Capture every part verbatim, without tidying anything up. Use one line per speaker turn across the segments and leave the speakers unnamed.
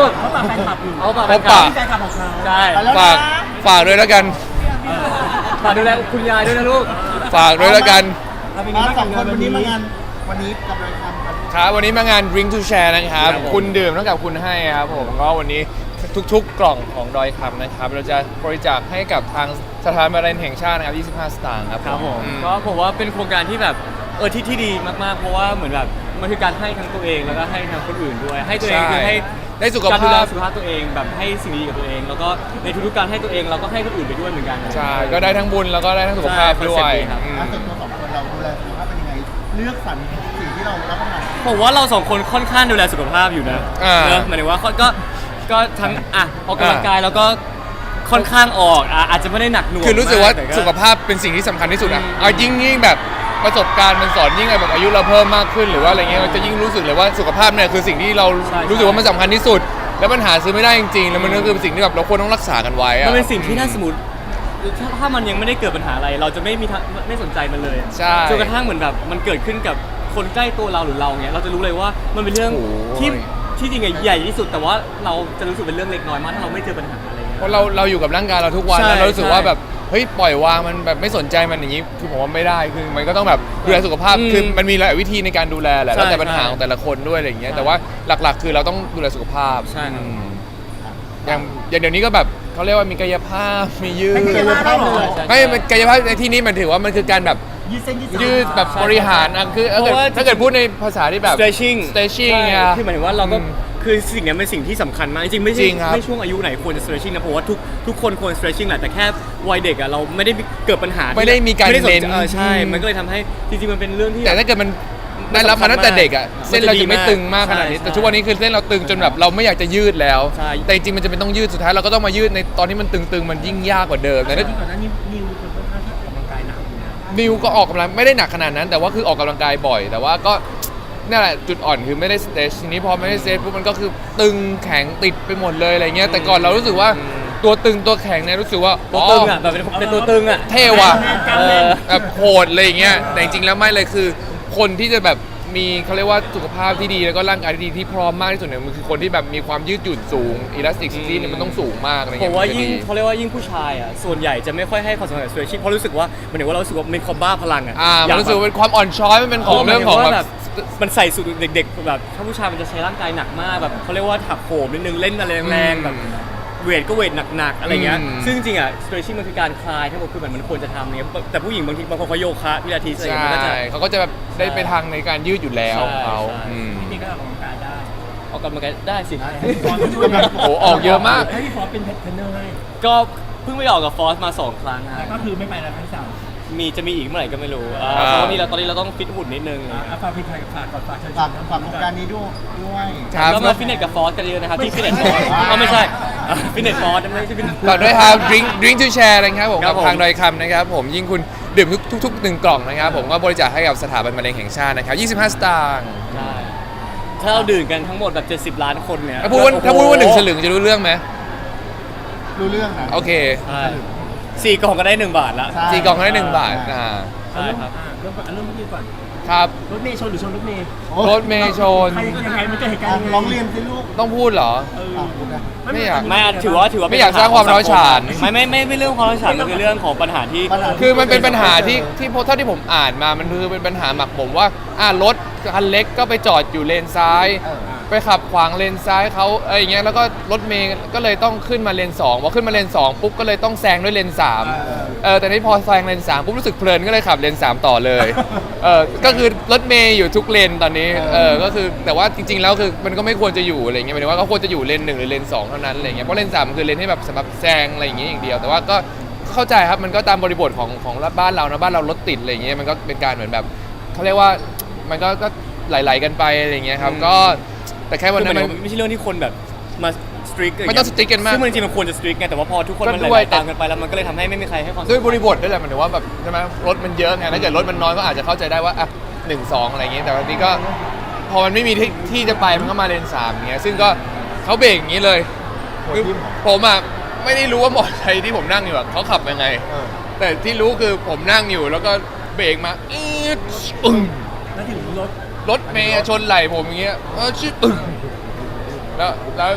กเขาฝากแฟนคลับอยู่เขาฝากแฟนคลับแฟนคลับของเขาใช่
ฝากฝากด้วยแล้วกัน
ฝากดูแลคุณยายด้วยนะลูก
ฝากด้วยแล้วกัน
มาสองคนวันนี้มางานวันนี้กับรายการ
ครับวันนี้มางาน Drink to Share นะครับคุณดื่มเท่ากับคุณให้ครับผมก็วันนี้ทุกๆกล่องของดอยคำนะครับเราจะบริจาคให้กับทางสถานบริการแห่งชาตินะครับยี่สิบห้าสตางค์ครับ
ครับผมก็ผมว่าเป็นโครงการที่แบบเออที่ที่ดีมากๆเพราะว่าเหมือนแบบมันคือการให้ทั้งตัวเองแล้วก็ให้ทั้งคนอื่นด้วยให้ตัวเองคือให้
ได้สุขภาพ
การดูแลสุขภาพตัวเองแบบให้สิ่งดีกับตัวเองแล้วก็ในทุกๆการให้ตัวเองเราก็ให้คนอื่นไปด้วยเหมือนกัน
ใช่ก็ได้ทั้งบุญแล้วก็ได้ทั้งสุขภาพด้วย
ครับส่วนตัวสองคนเราดูแลสุขภาพเป็นยังไงเลือกสรรสิ่งที่เรารับประทาน
ผมว่าเราสองคนค่อนข้างดูแลสุขภาพอยู่นะเนอะหมายถึงว่าก็ก็ทั้งอ่ะออกกำลังกายแล้วก็ค่อนข้างออกอาจจะไม่ได้หนักหน่วง
คือรู้สึกว่าสุขภาพเป็นสิ่งที่สำคัญที่สุดอ่ะเอายิ่งยิ่งแบบประสบการณ์มันสอนยิ่งแบบอายุเราเพิ่มมากขึ้นหรือว่าอะไรเงี้ยเราจะยิ่งรู้สึกเลยว่าสุขภาพเนี่ยคือสิ่งที่เรารู้สึกว่ามันสำคัญที่สุดแล้วมันหาซื้อไม่ได้จริงๆแล้วมันก็คือสิ่งที่แบบเราควรต้องรักษากันไว้อะ
มันเป็นสิ่งที่ถ้าสมมติถ้ามันยังไม่ได้เกิดปัญหาอะไรเราจะไม่มีไม่สนใจมันเลย
ใช่
จนกระทั่งเหมือนแบบมันเกิดขึ้นกับคนใกล้ตัวเราหรือเราเนี้ยเราจะรู้เลยว่ามันเป็นเรื่องที่ที่จริงใหญ่ที่สุดแต่ว่าเราจะรู้สึกเป็นเรื่องเล็กน้อยมากถ้าเราไม่เจอปัญหาอะไรเงี้ย
เพราะเราเราอยู่กับร่างกายเราทุกวันแล้วเรารู้สึกว่าแบบเฮ้ยปล่อยวางมันแบบไม่สนใจมันอย่างนี้คือผมว่าไม่ได้คือมันก็ต้องแบบดูแลสุขภาพคือมันมีหลายวิธีในการดูแลแหละแล้วแต่ปัญหาของแต่ละคนด้วยอะไรอย่างเงี้ยแต่ว่าหลักๆคือเราต้องดูแลสุขภาพ
ใช่
อย่างอย่างเดี๋ยวนี้ก็แบบเขาเรียกว่ามีกายภาพมียืด
กายภาพเลย
ไม่กายภาพในที่นี้มันถือว่ามันคือการแบบ
ยืดเส้น
ยืดแบบบริหารอ่ะคือถ้าเกิดพูดในภาษาที่แบบ
stretching
stretching ไง
คือหมายถึงว่าเราก็คือสิ่งนี้เป็นสิ่งที่สำคัญมากจริงๆไม่ใช่ไม่ช่วงอายุไหนควรจะ stretching นะเพราะว่าทุกทุกคนควร stretching แหละแต่แค่วัยเด็กอ่ะเราไม่ได้เกิดปัญหา
ไม่ได้มีการเน้น
ใช่มันก็เลยทำให้จริงๆมันเป็นเรื่องที่
แต่ถ้าเกิดมันได้รับมาตั้งแต่เด็กอ่ะเส้นเราจะไม่ตึงมากขนาดนี้แต่ทุกวันนี้คือเส้นเราตึงจนแบบเราไม่อยากจะยืดแล้วแต่จริงๆมันจะเป็นต้องยืดสุดท้ายเราก็ต้องมายืดในตอนที่มันตึงๆมันยิ่งยากกว่าเดิมแต่
ที่ก่อนหน้านี้นิวเป็นคนค่อนข้างออกกำลังกายหนัก
นิวก็ออกกำลังไม่ได้หนักขนาดนั้นแต่ว่าคือออกกำลังกายบ่อยแต่ว่าก็นี่แหละจุดอ่อนคือไม่ได้สเตชทีนี้พอไม่ได้สเตชปุ๊บมันก็คือตึงแข็งติดไปหมดเลยอะไรเงี้ยแต่ก่อนเรารู้สึกว่าตัวตึงตัวแข็งเนี่ยรู้สึกว่า
ตัวตึงอ่ะแบบเป็นตัวตึงอ่ะ
เท่ว่ะแบบโหดอะไรเงี้ยแต่จริงๆแล้วไม่เลยคือคนที่จะแบบมีเขาเรียกว่าสุขภาพที่ดีแล้วก็ร่างกายที่ดีที่พร้อมมากที่สุดเนี่ยมันคือคนที่แบบมีความยืดหยุ่นสูงอิลาสติกซิตี้เนี่ยมันต้องสูงมากอะไรเงี้
ยผมว่ายิ่งเขาเรียกว่ายิ่งผู้ชายอ่ะส่วนใหญ่จะไม่ค่อยให้ความสำคัญกับ stretching เพราะรู้สึกว่ามันเหมือนว่าเรารู้สึกว่าเป็นความบ้าพลังอ่ะ
มันรู้สึกเป็นความอ่อนช้อยมันเป็นของเรื่องของแบบ
มันใส่สูตรเด็กๆแบบถ้าผู้ชายมันจะใช้ร่างกายหนักมากแบบเขาเรียกว่าถักโหมนิดนึงเล่นอะไรแรงๆแบบเวทก็เวทหนักๆอะไรเงี้ยซึ่งจริงๆอ่ะ stretching มันคือการคลายทั้งหมดคือเหมือนมันควรจะทำเนี่ยแต่ผู้หญิงบางทีบางคนเขาโยคะพิลาทิสอะไรอย่างเงี้ยก็จะ
เขาก็จะแบบได้ไปทางในการยืดอยู่แล้วเขา
พี่ก็ออกกำลังกายได้
ออกกำลังกายได้สิ
โอ้ออกเยอะมาก
ให้พี่ฟอสเป็นเทรนเนอร์ให้
ก็เพิ่งไปออกกับฟอสมาสองครั้ง
ฮะก็คือไม่ไปแล้วครั้งที่สาม
มีจะมีอีกเมื่อไหร่ก็ไม่รู้เพราะว่านี่เราตอนนี้เราต้องฟิตหุ่นนิดนึง
ฝากพี่ฝากก่อนฝากเชิญฝากฝากโครงการนี้ด้วยด้วย
ก็มาฟิตเนสกับฟอสกันเยอะนะครับที่ฟิตเนสฟอสก็ไม่ใช่ฟิตเนสฟอสไม่ใช่ฟิตเนส
ฝากด้วยครับ drink drink to share นะครับผมกับทางดอยคำนะครับผมยิ่งคุณดื่มทุกทุกหนึ่งกล่องนะครับผมก็บริจาคให้กับสถาบันมะเร็งแห่งชาตินะครับยี่สิบห้าสตางค์
ถ้าเราดื่มกันทั้งหมดแบบเจ็ดสิบล้านคนเนี่ย
ถ้าพูดว่าถ้าพูดว่าหนึ่งสลึงจะรู้เรื่องไหม
รู้เรื่องนะ
โอเค
สี่กล่องก็ได้หนึ่งบาทละ
สี่กล่องก็ได้หนึ่งบาทอ่า
ใช่ครับ
เริ่มก่อนเริ่มเมื่อกี้ก่อน
ครับ
รถเมย์ชนหรือชนรถเมย์
รถเมย์ชน
ยังไงมันจะเหตุการณ์ร้องเรียนสิลูก
ต้องพูดเหรอ
ไม่อยากไม่ถือว่าถือว่า
ไม่อยากสร้างความร้าวฉาน
ไม่ไม่ไม่ไม่เรื่องความร้าวฉานมันคือเรื่องของปัญหาที่
คือมันเป็นปัญหาที่ที่เท่าที่ผมอ่านมามันคือเป็นปัญหาหมักหมมว่าอ่ารถคันเล็กก็ไปจอดอยู่เลนซ้ายไปขับขวางเลนซ้ายเขาอะไรอย่างเงี้ยแล้วก็รถเมย์ก็เลยต้องขึ้นมาเลนสองพอขึ้นมาเลนสองปุ๊บก็เลยต้องแซงด้วยเลนสามเออแต่นี่พอแซงเลนสามปุ๊บรู้สึกเพลินก็เลยขับเลนสามต่อเลยเออก็คือรถเมย์อยู่ทุกเลนตอนนี้เออก็คือแต่ว่าจริงๆแล้วคือมันก็ไม่ควรจะอยู่อะไรเงี้ยหมายถึงว่าก็ควรจะอยู่เลนหนึ่งหรือเลนสองเท่านั้นอะไรเงี้ยเพราะเลนสามมันคือเลนให้แบบสำหรับแซงอะไรอย่างเงี้ยอย่างเดียวแต่ว่าก็เข้าใจครับมันก็ตามบริบทของของบ้านเรานะบ้านเรารถติดอะไรเงี้ยมันก็เป็นการเหมือนแบบเขาเรียกว่ามันก็ก็ไหลๆกันไปอะไรเงี้ยครับก็แต่แค่วันนั้นมัน
ไม่ใช่เรื่องที่คนแบบมาสตริก
ไม่ต้องสตริกกันมาก
ซึ่งมันจริงมันควรจะสตริกไงแต่ว่าพอทุกคนมันไหลตามกันไปแล้วมันก็เลยทำให้ไม่มีใครให้ความ
ด้วยบริบทด้วยแหละมันถือว่าแบบใช่ไหมรถมันเยอะไงถ้าเกิดรถมันน้อยก็อาจจะเข้าใจได้ว่าอ่ะหนึ่งสองอะไรเงี้ยแต่วันนี้ก็พอมันไม่มีที่จะไปมันก็มาเลนสามเงี้ยซึ่งก็เขาเบรกอย่างนี้เลยคือผมอ่ะไม่ได้รู้ว่ามอเตอร์ไซค์ที่ผมนั่งอยู่อ่ะเขาขับยังไงแต่ที่รู้คือผมนั่งอยู่แล้วก็เบรกมาอีดอึ้ง
แล้วถึงรถ
รถเมย์ชนไหล่ผมอย่างเงี้ยเออชิดอึ้งแล้วแล้ว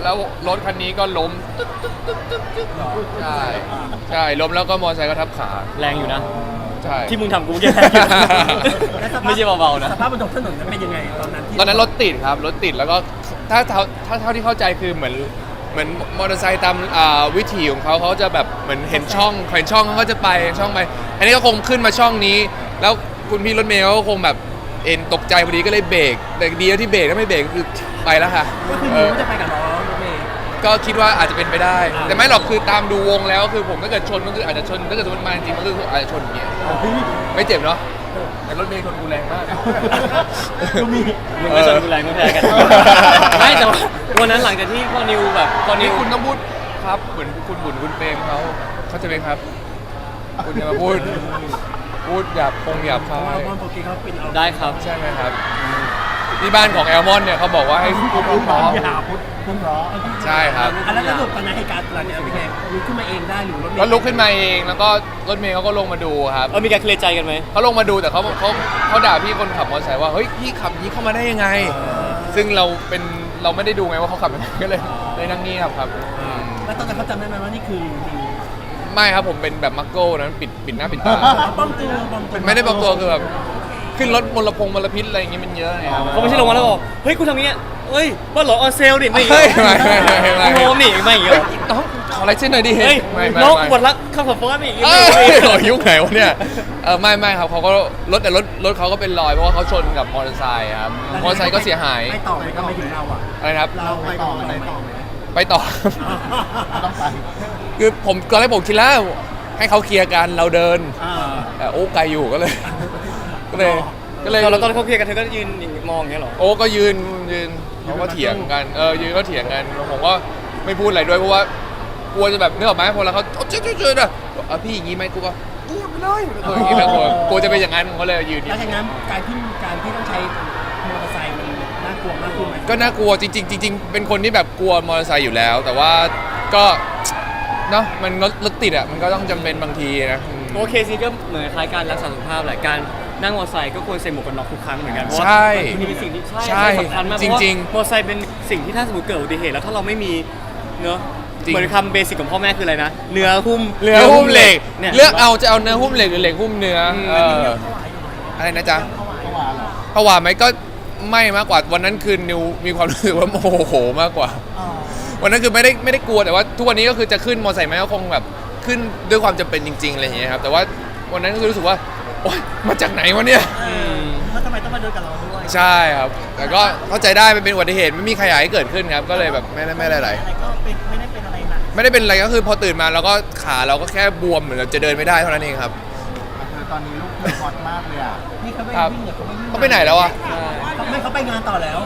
แล้วรถคันนี้ก็ล้มตึ๊กตึ๊กตึ๊กตึ๊กตึ๊กใช่ใช่ล้มแล้วก็มอเตอร์ไซค์ก็ทับขา
แรงอยู่นะ
ใช่
ที่มึงทำกูแย่แรงอยู่นะไม่ใช่เบาๆนะ
สภาพบนท้องถนนนั้นเป็นยังไงตอนนั้นที่
ตอนนั้นรถติดครับรถติดแล้วก็ถ้าเท่าถ้าเท่าที่เข้าใจคือเหมือนเหมือนมอเตอร์ไซค์ตามอ่าวิถีของเขาเขาจะแบบเหมือนเห็นช่องเห็นช่องเขาก็จะไปช่องไป อันนี้ก็คงขึ้นมาช่องนี้ แล้วคุณพี่รถเมย์เขาก็คงแบบเอ็นตกใจพอดีก็เลยเบรกแต่ดีที่เบรกถ้าไม่เบรกก็คือไปแล้วค่ะ
ก็คือ
เอ
นิ้
อ
วจะไปกับล้อรถเมย์
ก็คิดว่าอาจจะเป็นไปได้
อ่า
แต่ไม่หรอกคือตามดูวงแล้วคือผมถ้าเกิดชนก็คืออาจจะชนถ้าเกิดสมมติมาจริงๆก็คืออาจจะชนอย่างเงี้ยไม่เจ็บเนาะแต่รถเมย์ชนกูแรงมาก
ก็มี
มึงก็ชนกูแรงไม่แพ้กัน ไม่แต่ว่าวันนั้นหลังจากที่พอนิวแบบพอนิ
นี่
ว
คุณต้องพูดครับเหมือนคุณบุญคุณเปรมเขาเขาใจะไหมครับ คุณจะมาพูดพูดหยาบคงหยาบคา
เพราะ
ย
ว่าปกติเขาเป็นเอา
ได้ครับ
ใช่ไหมครับที่บ้านของแอลมอนเนี่ยเขาบอกว่าให้พูดเพ
พูด
ราะ
อย่าพูดเพิ่งร้อ
ใช่ครับ
อันนั้นแล้วสรุปตอนนั้นเหตุการณ์หลังจากนั้นเป็นไงลุกขึ้นมาเองได้หรือรถเมย์
ก็ลุกขึ้นมาเองแล้วก็รถเมย์เขาก็ลงมาดูครับ
เออมีการเคลียร์ใจกันไหม
เขาลงมาดูแต่เขาเขาเขาด่าพี่คนขับมอเตอร์ไซค์ว่าเฮ้ยพี่ขับอย่างนี้เข้ามาได้ยังไง ซึ่งเราเป็นเราไม่ได้ดูไงว่าเขาขับยังไงก็เลยเลยนั่งเงียบครับอืม
แล้วตอนนั้นเขาจำได้ไหมว่านี่คือนิว
ไม่ครับผมเป็นแบบมักโก้นั้นปิดปิดหน้าปิดตา
ป้อมตัวป้อมตัว
ไม่ได้บางตัวคือแบบขึ้นรถมลพงมลพิษอะไรอย่างงี้มันเยอะไงครับ
เขาไม่ใช่ลงมาแล้วบอกเฮ้ยกูทำอย่างเงี้ยเฮ้ยว่าเหรอออนเซลดิไม่
เฮ้ยไม่ไม่ไม่ไม่ไม่
โอ้โหนี่ไม่อย่างเงี้ย
น้องขออะไรเส้นหน่อยดิ
เฮ้ย
ไม่ไม่
น้อง
ไม่
ปวดรักข้าวผัดฟอสไม่อย่างเงี้ย
เอ้ยโอ้ยยุคไหนวะเนี่ยเออไม่ไม่ครับเขาก็รถแต่รถรถเขาก็เป็นรอยเพราะว่าเขาชนกับมอเตอร์ไซค์ครับมอเตอร์ไซค์ก็เสียหาย
ไม่ต่อไหมก็ไม่ถึงเราอ่ะ
อะไรนะครับ
เราไปต่อไหมไปต่อไหม
ไปต่อ
ต้องไป
คือผมตอนแรกผมคิดแล้วให้เขาเคลียร์กันเราเดิน
อ่า
แต่โอ้ไกลอยู่ก็เลย ก็เลยก็เลย
เราตอนเขาเคลียร์กันเธอก็ยืนมองอย่างเงี้ยเหรอ
โอ้ก็ยืนยืนเขาก็เถียงกันเออยืนก็เถียงกันผมก็ไม่พูดอะไรด้วยเพราะว่ากลัวจะแบบนึกออกไหมพอแล้วเขาเจ๊เจ๊เจ๊นะเออพี่อย่างงี้ไหมกูก็พูดไปเลยเอออย่างงี้นะกลัวกลัวจะเป็นอย่างนั้นผมก็เลยยืน
แล้วจากนั้นการที่การที่ต้องใช้มอเตอร์ไซค์มันน่ากลัวมากขึ้นไหม
ก็น่ากลัวจริงๆจริงๆเป็นคนที่แบบกลัวมอเตอร์ไซค์อยู่แล้ว แต่ว่าก็เนาะมันรถรถติดอ่ะมันก็ต้องจำเป็นบางทีนะอืม
โอเคสิก็เหมือนคล้ายการรักษาสุขภาพแหละการนั่งมอเตอร์ไซค์ก็ควรใส่หมวกกันน็อกทุกครั้งเหมือนกันเพราะว่า
ใช่
มันเป็นสิ่งที่ใช่
ใช่
สำคัญมาก
จริงๆ
เพาะว่ามอเตอร์ไซค์เป็นสิ่งที่ถ้าสมมติเกิดอุบัติเหตุแล้วถ้าเราไม่มีเนอะ
จริง
เหมือนคำเบสิกของพ่อแม่คืออะไรนะเนื้อหุ้ม
เรือหุ้มเหล็ก
เนี่ย
เลือกเอาจะเอาเนื้อหุ้มเหล็กหรือเหล็กหุ้มเนื้ออ
ม
เอออะไรนะจ๊ะ
เมื่อวานเหรอ
ผวาไหมก็ไม่มากกว่าวันนั้นคือนิวมีความรู้สึกว่าโมโหมากกว่า วันนั้นคือไม่ได้ไม่ได้กลัวแต่ว่าทุกวันนี้ก็คือจะขึ้นมอเตอร์ไซค์ไหมก็คงแบบขึ้นด้วยความจำเป็นจริงๆอะไรอย่างเงี้ยครับแต่ว่าวันนั้นก็คือรู้สึกว่าโอ๊ยมาจากไหนวะเนี่ย
ม
แล้วทำไมต้องมาเดินกับเราด้วย
ใช่ครับแต่ก็เข้าใจได้มันเป็นอุบัติเหตุไม่มีใครอยากให้เกิดขึ้นครับก็เลยแบบไม่ได้ไม่ได้อะไร
อะไรก็เป็นไม่ได้เป็นอะไรหนัก
ไม่ได้เป็นอะไรก็คือพอตื่นมาเราก็ขาเราก็แค่บวมเหมือนเราจะเดินไม่ได้เท่านั้นเองครับ
คือตอนนี้ลูกเธอฮอตมากเลยอ่ะ
นี่เขาไม่
ครับ
วิ่งเนี่ยเขาไม่วิ่ง
เขาไปไหนแล้วอะ
ใช่
ไม่เขาไปงานต่อแล้ว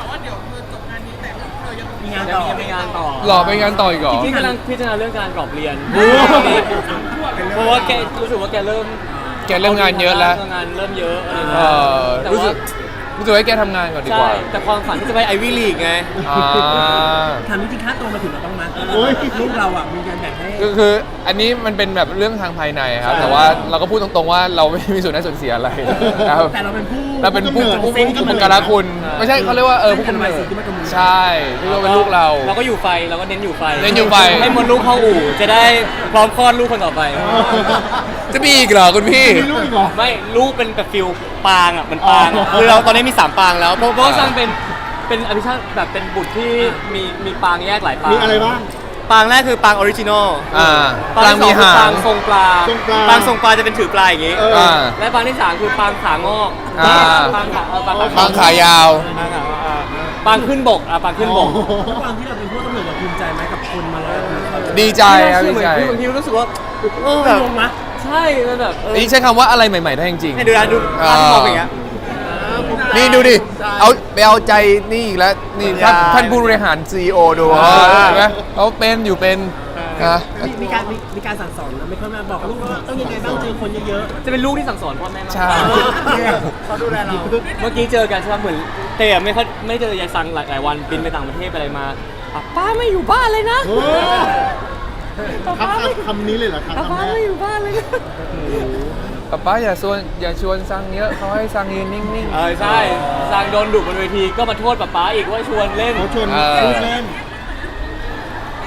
มีงาน
ยัง
ต่อ
มียังมีงานต่อ
หล่อไปงานต่ออีกเหรอ
ที่กำลังพิจารณาเรื่องการกรอบเรียน
โอ้
เพราะว่าแกรู้สึกว่าแกเริ่ม
แกเริ่มงานเยอะแล้ว
งานเริ่มเยอะอะไรอย่าง
เอ
เงี้ย
อ
แต่
รู้สึ
ว่าก
รู้สึกให้แกทำงานก่อนดีก
ใช่
ว่า
แต่ความฝันที่จะไปไอวี่ลีกไง
อ่า
ถามจริงๆค่าตัวมาถึงเราต้องมั้ย
โอ้ย
ลูกเราอ่ะมีการแบ่งให้
คือคืออันนี้มันเป็นแบบเรื่องทางภายในครับ แต่ว่าเราก็พูดตรงๆว่าเราไม่มีส่วนได้ส่วนเสียอะไรครับ
แต่เราเป็นผู้
เราเป็นผู้ผู้ผู้ผู้การคุณ ไม่ใช่เขาเรียกว่าเออผู้กำเนิดใช่ที่ว่าเป็นลูกเรา
เราก็อยู่ไฟเราก็เน้นอยู่ไฟ
เน้นอยู่ไฟ
ให้มดลูกเข้าอู่จะได้พร้อมคลอดลูกคนต่อไป
จะมีอีกเหรอคุณพี่
มีลูกอีกเหรอ
ไม่ลูกเป็นแบบฟิลปางอ่ะมันปาง
อ๋
อะ
อ
คือเราตอนนี้มีสามปางแล้วเพราะเพราะว่าสร้างเป็นเป็นอภิชาติแบบเป็นบุตรที่มีมีปางแยกหลายปาง
มีอะไรบ้าง
ปางแรกคือปางออริจินอล
อ่า
ปางที่สองคือ
ปา
ปาง ง
มีหาง
ทรงปลา
ทรงปลา
ปางทรงปลาจะเป็นถือปลาอย่างงี้
เออ
อ่า
และปางที่สามคือปางขางอก
อ่า
ปางขาเออปาง
บางขายาว
ปางขาอ่าปางขึ้นบกอ่ะปางขึ้นบก
ด้วยความที่เราเป็นผู้กำเนิดเราภูมิใจไหมกับคนมาแล้ว
ดีใจครับดี
เหมือ
ใจ
นคือบางทีรู้สึกว่าเออแบบ
งงมะ
ใช่มันแบบเออ
นี่ใช้คำว่าอะไรใหม่ๆได้จริงๆ
ให้ดูนะดู
อ่า
ภาพมองอย่างเงี้ย
นี่ดูดิ เอาไปเอาใจนี่อีกแล้ว นี่ท่าน
ใช่
ท่านผู้บริหาร ซี อี โอ ดู
อ่า
เห็นไหมเขาเป็นอยู่เป็นนะ
มีมีการมีมีการสั่งสอนนะไม่ค่อยมาบอกลูกว่าต้องยังไงบ้างเจอคนเยอะ
จะเป็นลูกที่สั่งสอนพ่อแม่มาก
ใช่
ๆเขาดูแลเรา
เมื่อกี้เจอกันใช่ไหมเหมือนเตะไม่ค่อยไม่เจอยายซังหลายหลายวันบินไปต่างประเทศไปอะไรมาอ่ะป้าไม่อยู่บ้านเลยนะ
โอ้คำคำนี้เลยเหรอครับ
ป้า
คำแรก
ไม่อยู่บ้านเลยนะ
ป๊าป๊าอย่าชวนอย่าชวนซังเยอะเขาให้ซังยืนนิ่ง
เออใช่ซังโดนดุบนเวทีก็มาโทษป้าป้าอีกว่าชวนเล่น
เขาชวน
เออ
ลูกเล่น
เ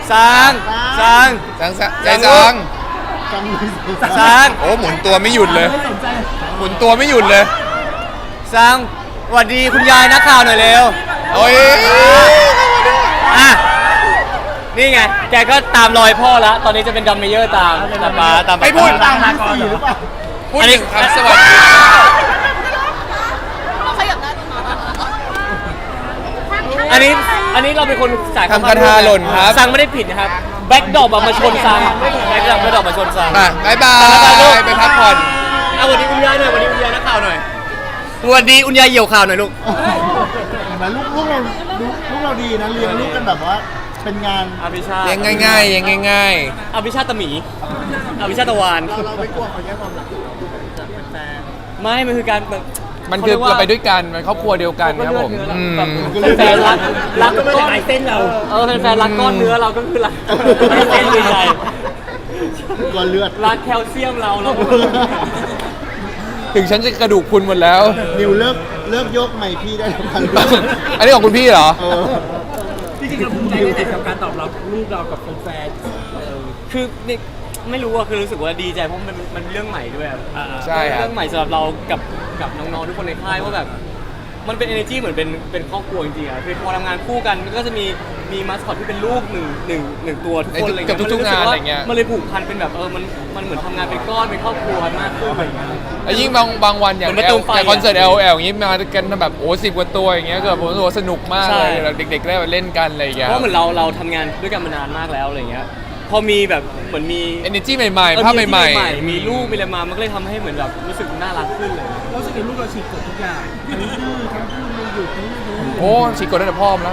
ซังซัง
จังซะใจจัง
จังเลย
ซัง
โอ้หมุนตัวไม่หยุดเลย
ไม่สนใจ
หมุนตัวไม่หยุดเลย
ซังสวัสดีคุณยายนักข่าวหน่อยเร็ว
โอ้ย
อ่ะนี่ไงแกก็ตามรอยพ่อละตอนนี้จะเป็นดัมเมเยอร์ตามตามป้าตามป้า
ไม่พูด
ตามที่สี่หรือเปล่า
พูดถึงคำสวัสดี
อันนี้อันนี้เราเป็นคนจ่าย
ทำคาถาหล่นครับ
ซังไม่ได้ผิดนะครับแบ็กดรอปมาชนซังแบ็กดรอปแบ็กดรอปมาชนซัง
มาบายบาย ไปพักผ่อน
เอาสวัสดีคุณยายหน่อยสวัสดีคุณยายนักข่าวหน่อยสวัสดีคุณยายเหี่ยวข่าวหน่อยลูก
เห็นไหมลูกลูกเราลูกลูกเราดีนะเลี้ยงลูกกันแบบว่าเป็นงาน
อภิชาติ
ยังง่ายๆยังง่าย
อภิชาติตะหมีอภิชาติตะวาน
เราเราไม่กลัวเขาแย่ความรักจากแฟน
ไม่มันคือการแบบ
ๆ มันคือเราไปด้วยกัน มันครอบครัวเดียวกันครับผมอืม
แบบแฟนๆรักรัก
ก็ไม่
ก้
ได้
อน
หายเส้นเรา
เออแฟนๆรักก้อนเนื้อเราก็คือรักเส้นใหญ่
กลัวเลือด
รักแคลเซียมเราเรา
ถึงฉันจะกระดูกพรุนหมดแล้ว
นิวเลิกเลิกยกไมค์พี่ได้แล้วกัน
อันนี้ของคุณพี่เหรอ
เออ
จริงๆเราภูมิใจในกับการตอบรับลูกเรากับแฟนๆเออ
คือนี่ไม่รู้อะคือรู้สึกว่าดีใจเพราะมันมันเรื่องใหม่ด้วยอะ
อ่า
ใช่ครับ
เรื่องใหม่สำหรับเรากับกับน้องๆทุกคนในค่ายว่าแบบมันเป็น energy เหมือนเป็นเป็นครอบครัวจริงๆอะคือพอทำงานคู่กันมันก็จะมีมีมาสคอตที่เป็นลูกหนึ่งหนึ่งหนึ่งตัวทุกคนอะไร
ใน
เงี้ย
ทุกๆงานอะไรเงี้ย
มันเลยผูกพันเป็นแบบเออมันมันเหมือนทำงานเป็นก้อนเป็นครอบครัวมากขึ้นอะไรเงี้ย
แล้วยิ่งบางบางวันอย่าง
เหมือนประตูไฟ
อย่างคอนเสิร์ต
อะ
แอล แอล อย่างงี้มากันแบบโอ้สิบกว่าตัวอย่างเงี้ยเกิดผมรู้สึกว่าสนุกมาก
ใช่
เลยแล้วเด็กๆได้มาเล่นกันอะไรอย่างเงี้ย
เพราะเหมือนเราเราทำงานด้วยกันมานานมากแล้วอะไรเงี้ยพอมีแบบเหมือนมี
เอเนจีใหม่ๆภาพใหม่
ๆมีลูกมีอะไรมามันก็เลยทำให้เหมือนแบบรู้สึกน่ารักขึ้นเลย
เราสึกเห็นลูกเราฉีกกฎทุกอย่างทั้งดื้อทั้งพูดไม่หยุดทั้งดื้อ
โอ้ฉีกกดได้แต่พ่อมแล้ว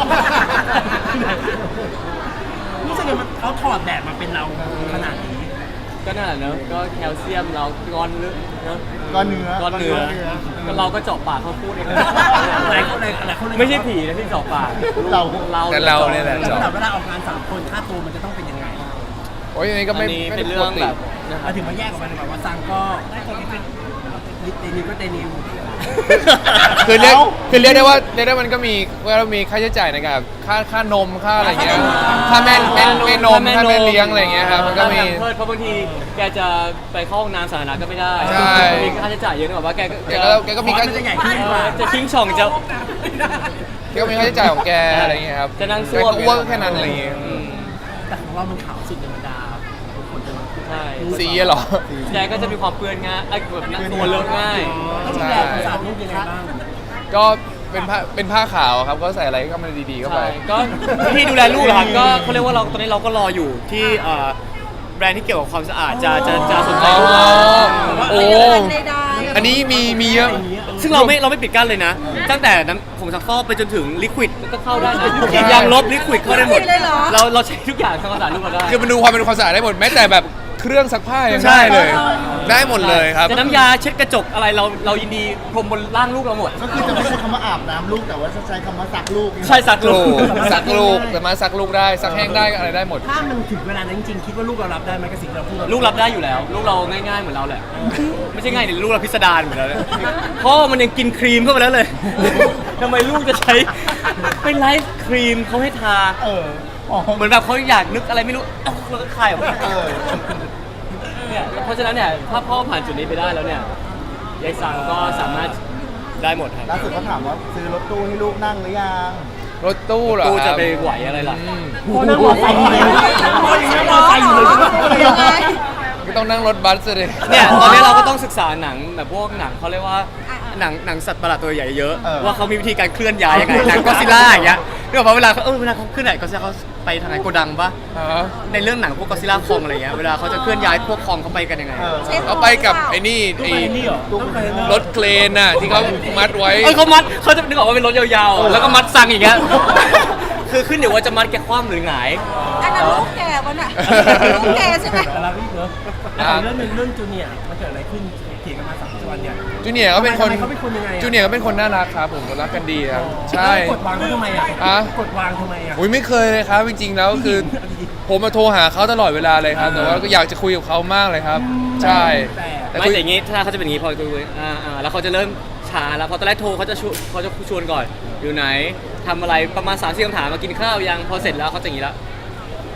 รู้สึกยังมันเขาถอดแบบมาเป็นเราขนาดนี้
ก็นั่นแหละเนอะก็แคลเซียมเราก้อนเนื้อเนอะ
ก้อนเนื้อ
ก้อนเนื้อก็เราก็เจาะปากเขาพูดเอง
หลายคนเลยหลายคนเลย
ไม่ใช่ผีนะที่เจาะปาก
เรา
เรา
แต่เราเนี่ยแหละ
แล้วแต่เวลาออกงานสามคนค่าตัวมันจะต้องเป็นยังไง
โอ้ยอันนี้ก็
อัน
ไม่
นี้
ไม่
เป็
ได้
น
ป
เรื่
ก
อง
ติ
แบบนะค
เรา
รับ
ถึงมาแยกออกมาเลยแบบว่าซังก็เตนิวก็เตนิว
คือเรียกคือเรียกได้ว่าเรียกได้มันก็มีว่าเรามีค่าใช้จ่ายในการแบบค่าค่านมค่าอะไรเงี้ยค่าแม่แม่แม่นมค่าแม่เลี้ยงอะไรเงี้ยครับมันก็มี
เพราะบางทีแกจะไปเข้าห้องน้ำสาธารณะก็ไม่ได้
ใช่
มีค่าใช้จ่ายเยอะนะแบบว่าแกก็
แกก็แกก็มี
คอ
ค่า
ร์สมันจะใหญ่ขึ้น
เอก
ว่า
อจะทิ้งช่องจะ
แกก็มีค่าใช้จ่ายของแกอะไรเงี้ยครับ
จะนั่ง
แก
ซ่วม
ก็อ้วกแค่นั้นอะไรเงี้ย
อืม
แต่ของเรามันขาวสุดธรรมดาทุกคนจะ
ใช่
สีอะเหรอ
แกก็จะมีความเปื้อนง่ายไอ้แบบนั่งตัวเลอะง่าย
ต้องดูแลความสะอาดลูกยังไงบ้าง
ก็เป็นผ้าเป็นผ้าขาวครับก็ใส่อะไรก็มันดีๆเข้าไป
ใช่ก็วิธีดูแลลูกเหรอครับก็เขาเรียกว่าเราตอนนี้เราก็รออยู่ที่เอ่อแบรนด์ที่เกี่ยวกับความสะอาดจะจะจะสนใจ
อ๋อ
ลูกเรา
โอ้อันนี้มีมีเยอะ
ซึ่งเราไม่เราไม่ปิดกั้นเลยนะ ตั้งแต่น้ำผงซักฟอกไปจนถึงลิควิดก็เข้าได้นะยางลบลิควิดเข้าได้หมด เราเราใช้ทุกอย่างทำความสะอาดลูกเราได้
คือมันดูความเป็นความสะอาดได้หมดแม้แต่แบบเครื่องซักผ้ายัง
ใช่
ได้เลย ได้หมดเลยครับ
จะน้ำยาเช็ดกระจกอะไรเราเรายินดีพรมบนร่างลูกเราหมด
ก็คือจะไม่ใช้คำว่าอาบน้ำลูกแต่ว่าจะใช้คำว่าซักลูก
ใช่ซักลู
ลู
ก
กซักลูกสามารถซักลูกได้ซักแห้งได้อะไรได้หมด
ถ้ามันถึงเวลานั้นจริงๆคิดว่าลูกเรารับได้ไหมกับสิ่งที่เราพูด
ลูกรับได้อยู่แล้ว ลูกเราง่ายๆเหมือนเราแหละ ไม่ใช่ง่ายเดี๋ยวลูกเราพิสดารเหมือนเราเลยพ่อมันยังกินครีมเข้าไปแล้วเลย ทำไมลูกจะใช้ไปไลฟ์ครีมเขาให้ทา
เอออ๋อ
เหมือนแบบเขาอยากนึกอะไรไม่รู้เอ้าแล้วก็คายออกมา
เออ
เนี่ยเพราะฉะนั้นเนี่ยถ้าพ่อผ่านจุดนี้ไปได้แล้วเนี่ยยายซังก็สามารถได้หมดครับ
ล่าสุดเขาถามว่าซื้อรถตู้ให้ลูกนั่งหรือยัง
รถตู้เหรอ
กู
ค
จะ
รับ
ไปไหวอะไรล่ะ
อืม
พ่อนั่งมอเตอร์ไซค์อยู่เลยพ่อนั่งมอเตอร์ไซค์อยู่เลย
ยังไง
ก็ต้องนั่งรถบัสเลย
เนี่ยตอนนี้เราก็ต้องศึกษาหนังแบบพวกหนังเขาเรียกว่าหนังหนังสัตว์ประหลาดตัวใหญ่เยอะ
เออ
ว่าเขามีวิธีการเคลื่อนย้ายยังไงหนังก็ซิล่าอย่างเงี้ยเรื่องว่าเวลาเขาเออเวลาเขาเคลื่อนไหนก็ซิล่าเขาไปทางไหนโกดังปะ
ฮะ
ในเรื่องหนังพวกก็ซิล่าคองอะไรเงี้ยเวลาเขาจะเคลื่อนย้ายพวกคองเขาไปกันยังไง
เออ
เอาไปกับไอ้นี่
ตู้
ไอ้
ไปนี่เหรอตู้ไปนี่
รถเครนน่ะที่เขามัดไว้
เออเขามัดเขาจะนึกออกว่าเป็นรถยาวๆ แล้วก็มัดซังอย่างเงี้ยคือขึ้นอยู่ว่าจะมัดแกคว่ำหรือหงาย
อันนั้นลูกแกวะน่ะลูกแกใช่ไหม
แต่เราอีกเนอะแล้วของเรื่องหนึงเรื่องจูเนียร์มันเกิดอะไรขึ้นเถียงกันมาสามวันเนี่ย
จูเนียร์ก็เป็นคน
ทำไมเขาเป็นคนยังไงอะ
จูเนียร์ก็เป็นคนน่ารักครับผมรักกันดีครับใช่
กดวางเขาทำไมอ่ะ
อะ
กดวางทำไมอ่ะ
อุ้ยไม่เคยเลยครับจริงๆแล้วคือผมมาโทรหาเขาตลอดเวลาเลยครับแต่ว่าก็อยากจะคุยกับเขามากเลยครับ ใช่แต่
ไม่
คุย
แต่อย่างงี้ถ้าเขาจะเป็นอย่างงี้พอคุยๆอ่าอ่าแล้วเขาจะเริ่มช้าแล้วพอตอนแรกโทรเขาจะชวนเขาจะชวนก่อนอยู่ไหนทำอะไรประมาณสามสี่คำถามมากินข้าวยังพอเสร็จแล้วเขาจะอย่างงี้ละ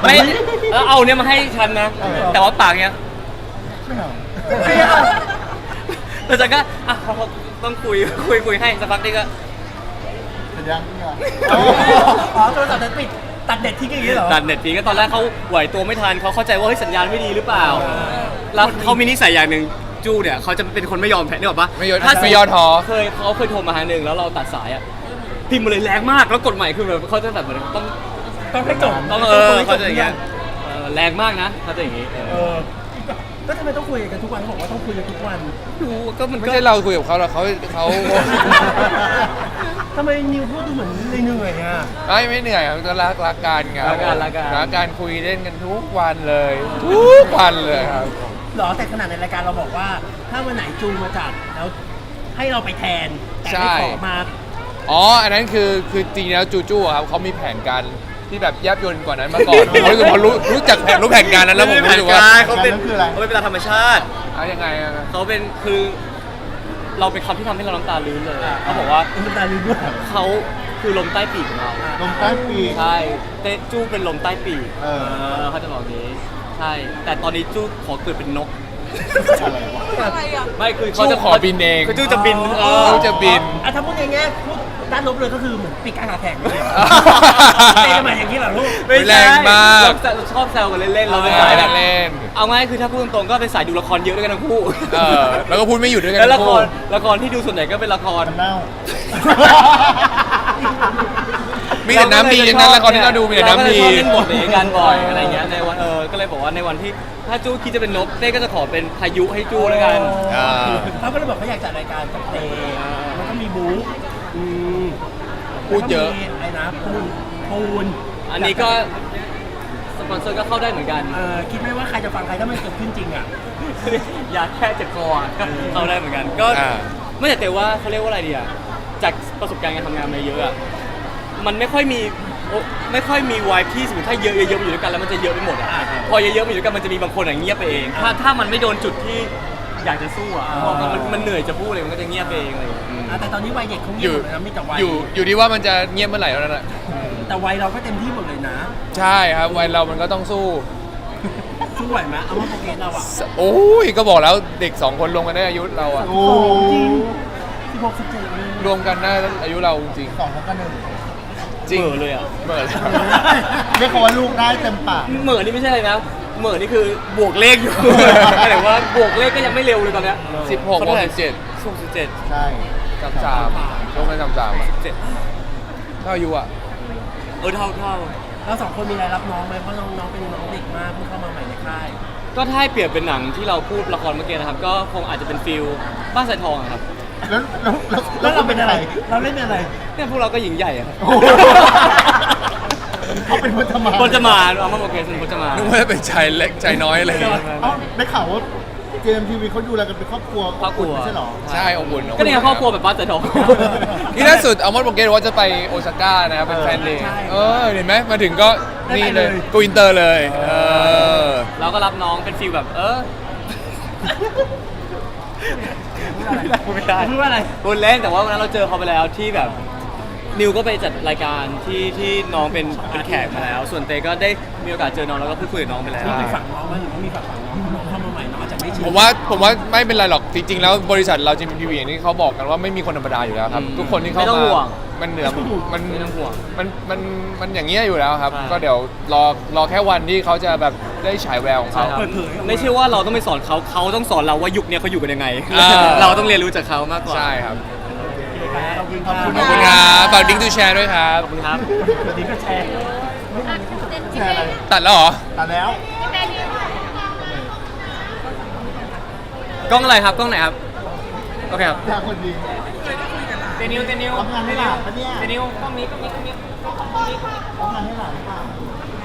ไม่แล้วเอาเนี่ยมาให้ฉันนะ แต่ว่าปากเนี้ย
ไม่เอา
แล้วฉันก็อ่ะเขาต้องคุยคุยคุยให้สักพักนึงก็
เสร็จยังเนี่ย
อ๋อโทรศัพท์นั้นปิดตัดเด็ดทิ้งอย่างนี้เหรอ
ตัดเน็ตทีก็ตอนแรกเขาไหวตัวไม่ทันเขาเข้าใจว่าเฮ้ยสัญญาณไม่ดีหรือเปล่า แล้วเขามีนิสัยอย่างหนึ่งจู้เนี่ยเขาจะเป็นคนไม่ยอมแพ้เนี่ยหรอกปะ
ไม่ยอม
ถ้า
ไม่ย่อท้อ
เคยเขาเคยโทรมาหาหนึ่งแล้วเราตัดสายอ่ะพิมพ์มาเลยแรงมากแล้วกดใหม่คือแบบเขาจะแบบเหมือนต้อง
ต้องให้จบ
ต้องเออเขาจะอย่างเงี้ยเออแรงมากนะเขาจะอย่างงี้เอ
เอ
อ
อก็ทำไมต้องคุยกันทุกวันเขาบอกว่าต้องคุยกันทุกวัน
ดูก็มัน
ไม่
ก็
ใช่เราคุยกับเขาหรอกเขาเขา
ทำไมนิวพูดดูเหมือนเหนื่อยๆอ่ะ
ไม่ไม่เหนื่อยครับก็รักรักกันไง
รักกันรักกัน
รักกันคุยเล่นกันทุกวันเลย ทุกวันเลยครับ
หรอแต่ขนาดในรายการเราบอกว่า ถ้าวันไหนจูงมาจัดแล้วให้เราไปแทน แต่ไม่ขอมา
อ๋อ อันนั้นคือคือจริงๆแล้วจูจูอะครับเขามีแผนการที่แบบแยบยลกว่านั้นมาก่อน ผมรู้สึกพอรู้รู้จักแผนรู้แผนการนั้นแล้วผมรู้สึกว่า
เขาเป็นเขาเป็นเวลาธรรมชาติ
เอายังไงอะ
เขาเป็นคือ เราเป็นคำที่ทำให้เราน้ำตาลื้นเลยเขาบอกว่า
เป็นตาลืมด้วย
เขาคือลมใต้ปีกของเรา
ลมใต้ปีก
ใช่เต้จู้เป็นลมใต้ปีก
เออ
เขาจะบอกนี้ใช่ แต่ตอนนี้จู้ขอเกิดเป็นนก
อะไรวะ
อะไรอ่ะ
ไม่คือเขา
จู
จะ
ขอบินเอง
คือจู้จะบินเออ
จูจะบิน
อ่ะถ้าพูดในแง่พูดด้านลบเลยก็คือเหมือนปีกการขาแข่งเลยเหรอเต้นมาอย่างนี้เหรอลูก
ไม่ใช่
แรงมาก
เราชอบแซวกันเล่นๆเราเป็น
เออ
สายแบบ
เล่น
เอาง่ายคือถ้าพูดตรงๆก็เป็นสายดูละครเยอะด้วยกันทั้งคู่
เออแล้วก็พูดไม่หยุดด้วยกัน
แล้วละ
ทั้ง
ค
คู่
รละครที่ดูส่วนใหญ่ก็เป็นละคร
มันเน่า
มีแต่น้ำดีอย่างนั้นละครที่เราดูมีแต่น้ำดี
เราก็เลยชอบเล่นบทอย่างนี้กันบ่อยอะไรเงี้ยในวันเออก็เลยบอกว่าในวันที่ถ้าจู้คิดจะเป็นนกเต้ก็จะขอเป็นพายุให้จู้แล้วกัน
อ่า
เขาก็เลยบอกเขาอยากจัดรายการกับเต้มันก็มีบู๊อืม
พูดเยอะ
แล้วก็มีอะไรนะปูนปูน
อันนี้ก็สปอนเซอร์ก็เข้าได้เหมือนกัน
เออคิดไหมว่าใครจะฟังใครถ้ามันเกิดขึ้นจริงอ่ะ
ยาแค่เจ็บคออ่ะก็เข้าได้เหมือนกัน ก็
อ่า
ไม่แต่แต่ว่าเขาเรียกว่าอะไรดีอ่ะจากประสบการณ์การทำงานมาเยอะอ่ะมันไม่ค่อยมีโอ้ไม่ค่อยมีวายที่สมมติถ้าเยอะๆๆอยู่ด้วยกันแล้วมันจะเยอะไปหมดอ่ะ
อ่า
พอเยอะๆอยู่ด้วยกันมันจะมีบางคนอ่ะเงียบไปเอง ถ้าถ้ามันไม่โดนจุดที่อยากจะสู้อ่ะพอมันมันเหนื่อยจะพูดเลยมันก็จะเงียบไปเองอะไรอย่างเลย
อ่ะแต่ตอนนี้วัยเด็กเขา
อ
เงียบ
ยู่
หมดเลยนะมีแต่วัย
อยู่อยู่ที่ว่ามันจะเงียบเมื่อไหร่แล้วนั่นแหละ
แต่วัยเราก็เต็มที่หมดเลยนะ
ใช่ครับวัยเรามันก็ต้องสู้
สู้ไหวไหมเอาว่าโปรเกรสเราอ่ะ
โอ้ยก็บอกแล้วเด็กสองคนรวมกันได้อายุเราอะ
โอ้
จริงสิบหกสิบเจ็ดเลย
รวมกันได้อายุเราจริง
สองเท่ากันหนึ่ง
จริง
เหม่อเลยอ่ะ
เหมื่อเลย
เรียกเขาว่าลูกได้เต็มปาก
เหม่อนี่ไม่ใช่อะไรนะเหม่อนี่คือบวกเลขอยู่ หมายถึงว่าบวกเลขก็ยังไม่เร็วเลยตอนเนี้ย
สิบหกบวกสิบเจ็ด
สิบหกสิบเจ็ด
ใช่
สามสามรวมกันสามสามอะ
เจ็ด
เท่าอายุอะ
เออเท่าเท่า
เราสองคนมีอะไรรับน้องไหมเพราะน้องน้องเป็นน้องเด็กมากเพิ่งเข้ามาใหม่ในค่าย
ก็ถ้าให้เปรียบเป็นหนังที่เราพูดละครเมื่อกี้นะครับ ก็คงอาจจะเป็นฟิลบ้านสายทองอะครับ
แล้วแล้วแล้ว
แล้วเราเป็นอะไร เราเล่นเป็นอะไร
เนี่ยพวกเราก็หญิงใหญ่อะครับ
โอ้โหเขาเป็นพจมาน
พจมานเอามาโอเคเป็นพจมาน
นึกว่าจะเป็นชายเล็กชายน้อยอะไรอย่างเงี้ย
เอ้าได้ข่าวว่าเจมทีวีเขาดูแลกันเป็นครอบครัว
ครอบครัว
ไม่ใช่เหรอ
ใช่อบอุ่น
ก็เนี่ยครอบครัวแบบบ้านสายทอง
นี่ล่าสุดอัลมอนด์โปรเกรสว่าจะไปโอซาก้านะครับเป็นแฟนเดย์
ใช่
เออเห็นไหมมาถึงก็นี่เลย
ได้ไปเลย
กูอินเตอร์เลยเออ
เราก็รับน้องเป็นฟิลแบบเออไม่ได้
พูดว่าอะไร
พูดเล่นแต่ว่าวันนั้นเราเจอเขาไปแล้วที่แบบนิวก็ไปจัดรายการที่ที่น้องเป็นเป็นแขกมาแล้ว ส่วนเตก็ได้มีโอกาสเจอน้องแล้วก็พูดคุยกับน้องไปแล้ว
มีไปฝั่งน้องไหมหรือว่ามีฝั่งฝั่งน้องน้องเข้ามาใหม่น้องอาจจะไม่ชิน
ผมว่าผมว่าไม่เป็นไรหรอกจริงๆแล้วบริษัทเราจีมทีวีอย่างที่เขาบอกกันว่าไม่มีคนธรรมดาอยู่แล้วครับ
อืม
ทุกคนที่เข้า
ไม่ต้อง
มา
ห่วง
มันเหนือมัน
ไม่ต้องห่วง
มันมันมันอย่างเงี้ยอยู่แล้วครับ
ใช่
ก็เดี๋ยวรอรอแค่วันที่เขาจะแบบได้ฉายแววของเขา
ใช่ครับไม่ใช่ว่าเราต้องไปสอนเขาเขาต้องสอนเราว่ายุคเนี้ยเขาอยู่กันยังไง
อ่า
เราต้องเรียนรู้จากเขามากกว่า
ใช่ครับ
ขอบคุณครับ
ขอบคุณครับฝากดิ้งทูแชร์ด้วยครับ
ขอบคุณครับ
สวัสดีก็แชร์
แชร์อะไร
ตัดแล้วเหรอ
ตัดแล้ว
กล้องอะไรครับกล้องไหนครับโอเคครับ
แชร์คนดี
เตนิวเตนิว
ทำงานให้หลานปะเนี่ย
เตนิวกล้องนี้กล้องนี้กล้องนี้
ทำงานให้หลานหรือเปล่า